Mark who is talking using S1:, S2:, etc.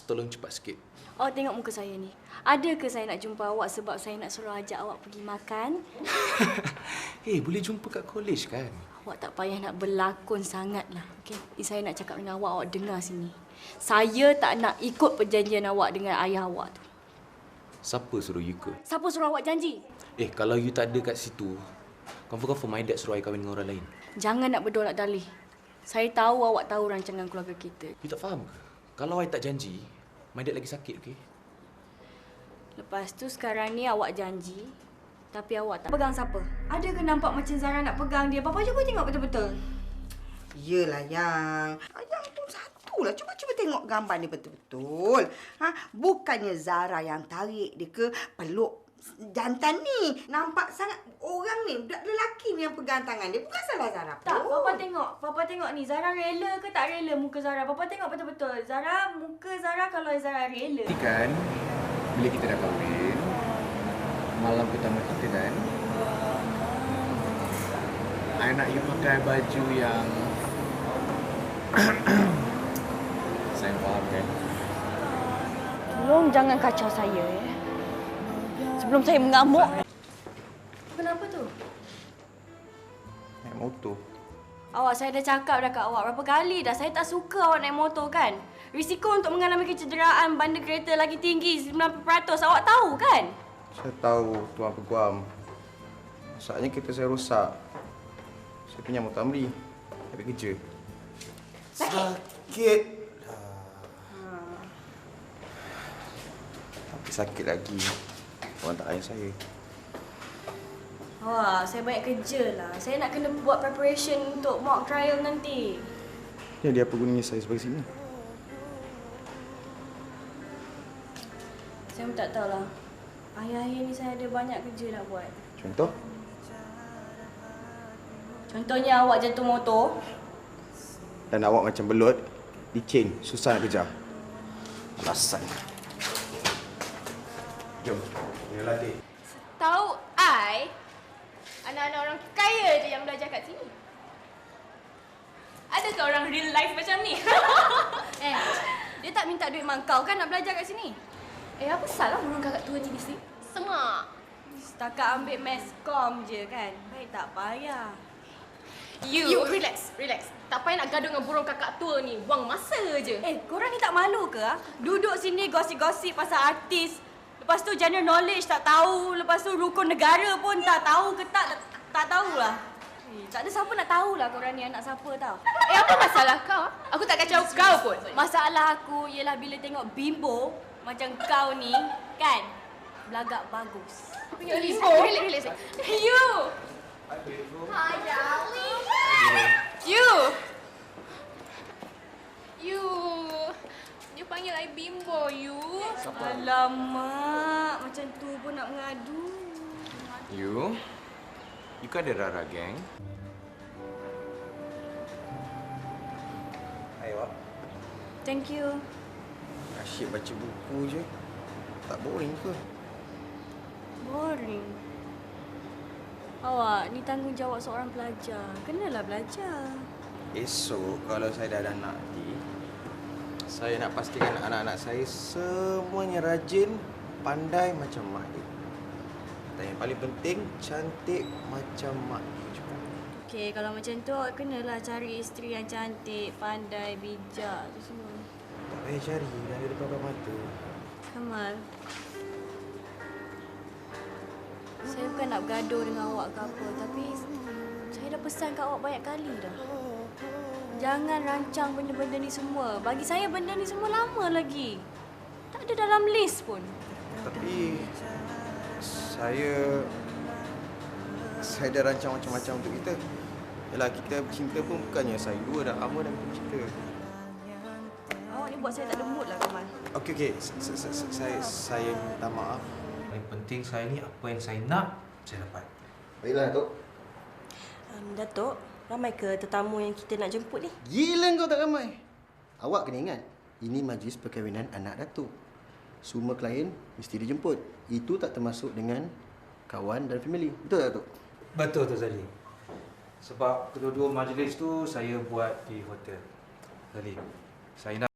S1: tolong cepat sikit.
S2: Awak tengok muka saya ni. Ada ke saya nak jumpa awak sebab saya nak suruh ajak awak pergi makan?
S1: Boleh jumpa kat college kan?
S2: Awak tak payah nak berlakon sangatlah. Okey, saya nak cakap dengan awak dengar sini. Saya tak nak ikut perjanjian awak dengan ayah awak tu.
S1: Siapa suruh you ke?
S2: Siapa suruh awak janji?
S1: Kalau you tak ada kat situ, confirm my dad suruh I kahwin dengan orang lain.
S2: Jangan nak berdolak dalih. Saya tahu awak tahu rancangan keluarga kita.
S1: You tak faham ke? Kalau I tak janji, my dad lagi sakit, okey?
S2: Lepas tu sekarang ni awak janji, tapi awak tak pegang siapa? Ada ke nampak macam Zara nak pegang dia? Papa cuba tengok betul-betul.
S3: Yelah, Yang pun satulah. Cuba tengok gambar ni betul-betul. Bukannya Zara yang tarik dia ke peluk jantan ni. Nampak sangat orang ni, budak lelaki ni yang pegang tangan dia. Bukan salah Zara pun.
S2: Tak, Papa tengok ni. Zara rela ke tak rela muka Zara? Papa tengok betul-betul. Muka Zara kalau Zara rela.
S4: Nanti kan, bila kita dah kahwin, malam pertama kita kan, I nak you pakai baju yang saya faham kan?
S2: Tolong jangan kacau saya ya. Sebelum saya mengamuk. Kenapa tu?
S4: Naik motor.
S2: Awak, saya dah cakap dah kat awak berapa kali dah. Saya tak suka awak naik motor kan? Risiko untuk mengalami kecederaan bandar kereta lagi tinggi 90%. Awak tahu kan?
S4: Saya tahu, Tuan Peguam. Masalahnya kereta saya rosak. Saya pinjam motor Amri. Habis kerja. Sakit. Tapi sakit lagi. Orang tak ayah saya.
S2: Wah, saya banyak kerja lah. Saya nak kena buat preparation untuk mock trial nanti.
S4: Jadi apa gunanya saya sebagai sini?
S2: Saya pun tak tahulah. Akhir-akhir ni saya ada banyak kerja nak buat.
S4: Contoh?
S2: Contohnya awak jatuh motor.
S4: Dan awak macam belut, licin, susah nak kejar. Alasan. Jom, ini latih.
S5: Tahu I, anak-anak orang kaya je yang belajar kat sini. Ada ke orang real life macam ni?
S2: Dia tak minta duit mak kau kan nak belajar kat sini?
S5: Apa salah burung kakak tua ni di sini? Semak.
S2: Setakat ambil meskom je kan? Baik tak payah.
S5: You relax. Tak payah nak gaduh dengan burung kakak tua ni. Buang masa je.
S2: Korang ni tak malu ke? Duduk sini gosip-gosip pasal artis. Lepas tu general knowledge tak tahu. Lepas tu rukun negara pun tak tahu ke tak tahulah. Tak ada siapa nak tahulah korang ni anak siapa tau.
S5: Apa masalah kau? Aku tak kacau kau pun.
S2: Masalah aku ialah bila tengok bimbo macam kau ni kan, belagak bagus.
S5: Relax. You. Hi darling. You panggil I bimbo, you.
S2: Alamak, macam tu pun nak mengadu.
S4: You kan ada Rara Gang. Hai, Wak.
S2: Thank you.
S4: Asyik baca buku je. Tak boring ke?
S2: Boring. Awak, ni tanggungjawab seorang pelajar. Kenalah belajar.
S4: Esok kalau saya dah ada anak nanti, saya nak pastikan anak-anak saya semuanya rajin, pandai macam mak dia. Dan yang paling penting, cantik macam mak dia juga.
S2: Okey, kalau macam tu awak kenalah cari isteri yang cantik, pandai, bijak tu semua.
S4: Tak payah cari, dah ada depan mata.
S2: Kamal. Saya bukan nak bergaduh dengan awak ke apa, tapi saya dah pesan kat awak banyak kali dah. Jangan rancang benda-benda ni semua. Bagi saya benda ni semua lama lagi. Tak ada dalam list pun.
S4: Tapi saya dah rancang macam-macam untuk kita. Yalah, kita bercinta pun bukannya saya dua dah lama dah bercinta.
S2: Awak ni buat saya tak ada mood lah, Kamal.
S4: Okey. Saya minta maaf.
S1: Yang penting saya ni apa yang saya nak, saya dapat.
S4: Baiklah, Datuk.
S6: Datuk, ramai ke tetamu yang kita nak jemput ni?
S7: Gila kau tak ramai. Awak kena ingat, ini majlis perkahwinan anak Datuk. Semua klien mesti dijemput. Itu tak termasuk dengan kawan dan family. Betul tak, Datuk?
S1: Betul tu Zali. Sebab kedua-dua majlis tu saya buat di hotel. Zali, saya nak